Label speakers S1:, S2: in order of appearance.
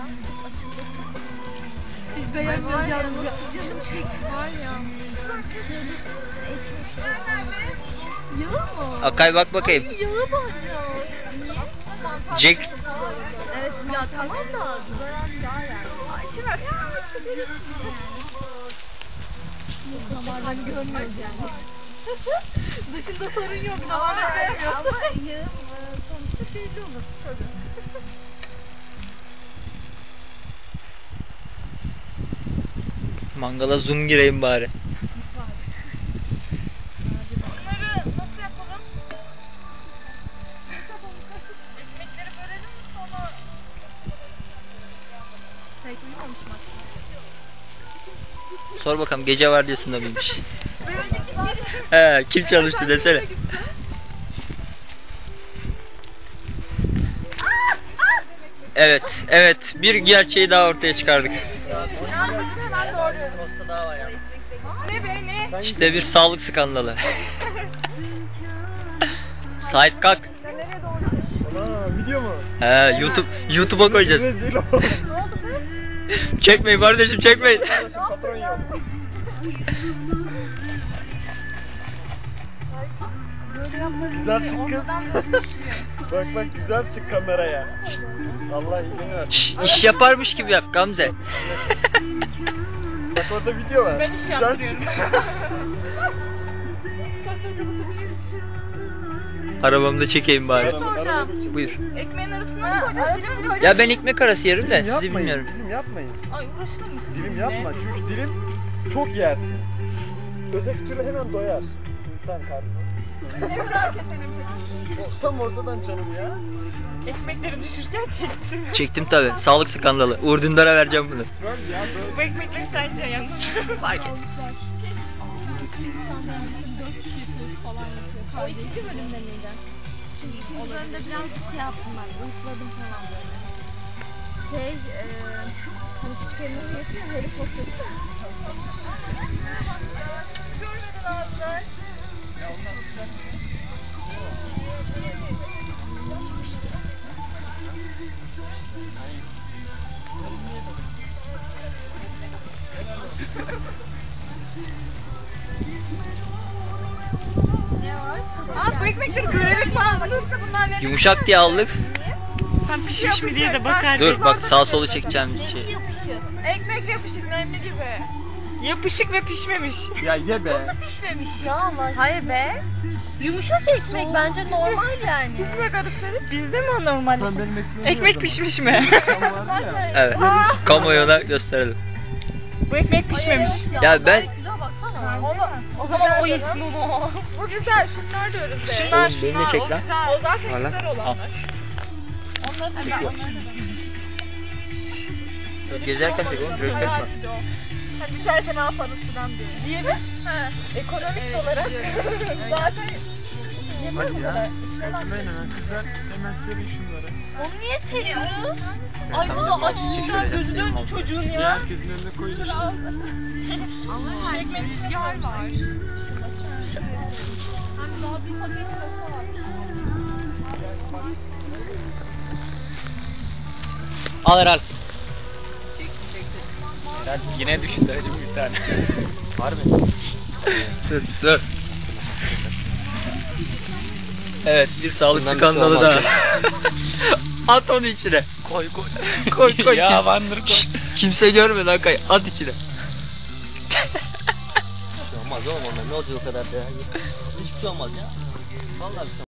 S1: Biz beğenmiyoruz yalnız.
S2: Canım çekti var ya.
S1: Yağı mı?
S3: Akay bak bakayım.
S1: Ay yağı var ya. Niye?
S3: Jack.
S2: Evet ya tamam da zarar yağ yani.
S1: Ay çırak. Damarlarını görmüyoruz yani. Dışında sorun yok. Damarları sevmiyoruz.
S2: Ama yağın sonuçta belli olur.
S3: Mangala zoom gireyim bari.
S1: Bunları nasıl yapalım? Ekmekleri bölelim sonra... Pek uyumamış mı?
S3: Sor bakalım gece vardiyasında mıymış? He, kim çalıştı desene. Evet, evet. Bir gerçeği daha ortaya çıkardık.
S1: Hemen doğruyorum. Ne be ne?
S3: İşte bir sağlık skandalı. Sait kalk.
S1: Sen nereye doğruyorsun?
S4: Ana video mu?
S3: He, YouTube'a koyacağız.
S4: Rezil ol.
S1: Ne oldu be?
S3: Çekmeyin kardeşim, çekmeyin.
S4: Arkadaşım patron yok.
S1: Böyle yapmak
S4: Güzel çık kız. Bak bak güzel çık kameraya. Allah iyiliğini versin.
S3: Şş, iş yaparmış gibi yap Gamze.
S4: Bak orada video var.
S1: Ben iş
S4: Güzel
S1: yaptırıyorum.
S4: çık.
S3: Arabamda çekeyim bari.
S1: soracağım.
S3: Buyur.
S1: Ekmeğin arasına mı koyacağız? Dilim mi koyacağız?
S3: Ya ben ekmek arası yerim de
S4: Dilim
S3: sizi
S4: yapmayın,
S3: bilmiyorum.
S4: dilim yapmayın.
S1: Ay uğraştın mı?
S4: Dilim yapma çünkü dilim çok yersin. Öteki türlü hemen doyar. İnsan karnı.
S1: Ne kadar keselim peki?
S4: Tam ortadan canım ya.
S1: Ekmekleri düşürken çektim.
S3: Çektim tabi. Sağlık skandalı. Uğur Dündar'a vereceğim bunu.
S4: Böyle ya böyle.
S1: Bu ekmekleri sence yalnız.
S3: Fark et.
S2: O ikinci bölümde miydi? Çünkü ikinci bölümde birazcık şey yaptım ben. Uyutladım falan böyle. Hani küçük elması yapıyor ya Harry Potter'da.
S1: Görmedin ağzlar. Aa bu ekmekleri görelik mi aldınız? Bunlar ne?
S3: Yumuşak diye aldık.
S1: Sen pişmiş mi diye de bakar.
S3: Dur bak sağ solu çekeceğim bir şey.
S2: Yapışıyor.
S1: Ekmek yapışık nemli gibi. Yapışık ve pişmemiş.
S4: Ya ye be.
S2: Pişmemiş ya Allah aşkına. Hayır be. Yumuşak ekmek bence normal yani.
S1: Biz ne garipsedik? Bizde mi o normal?
S4: Sen benim ekmeğimi
S1: Ekmek pişmiş mi?
S4: Sen vardı ya.
S3: Evet. Kamuoyuna gösterelim.
S1: Bu ekmek pişmemiş.
S3: Ya ben
S2: Gayet güzel baksana.
S1: O zaman o yesin onu. Bu güzel. Şunlar da öyle. Şunlar
S3: Oğlum, beni de çek
S1: o
S3: lan.
S1: güzel. O zaten
S3: Var lan.
S1: güzel olanlar. Onları da
S3: Çekiyor.
S1: ben.
S3: gezerken çek oğlum. Röntgen var.
S1: Sen düşerse ne yaparız falan diye. Diyelim. Ekonomist olarak. Zaten yemez
S4: Hadi ya.
S1: kadar.
S4: Hemen hemen kızlar hemen serin şunları.
S2: Onu niye seriyoruz?
S1: Ay bu
S3: Tamam,
S1: da
S3: çek
S1: açısından
S3: şöyle.
S1: gözü döndü çocuğun ya.
S4: Herkesin önüne koyun işte.
S2: Ama
S1: Ekmek içine var.
S2: Hem daha bir paket olsa var.
S3: Al Eral.
S4: Yine düştü hacım bir tane.
S3: Harbi. Dur. Evet bir sağlık
S4: Bundan bir şey
S3: skandalı
S4: olmaz
S3: daha. At onu içine. Koy. Koy.
S4: Ya bandır koy.
S3: Şşt, kimse görmedi Akay. At içine.
S4: Olmaz oğlum onlar ne olacak o kadar da ya.
S3: Hiçbir şey olmaz ya. Vallahi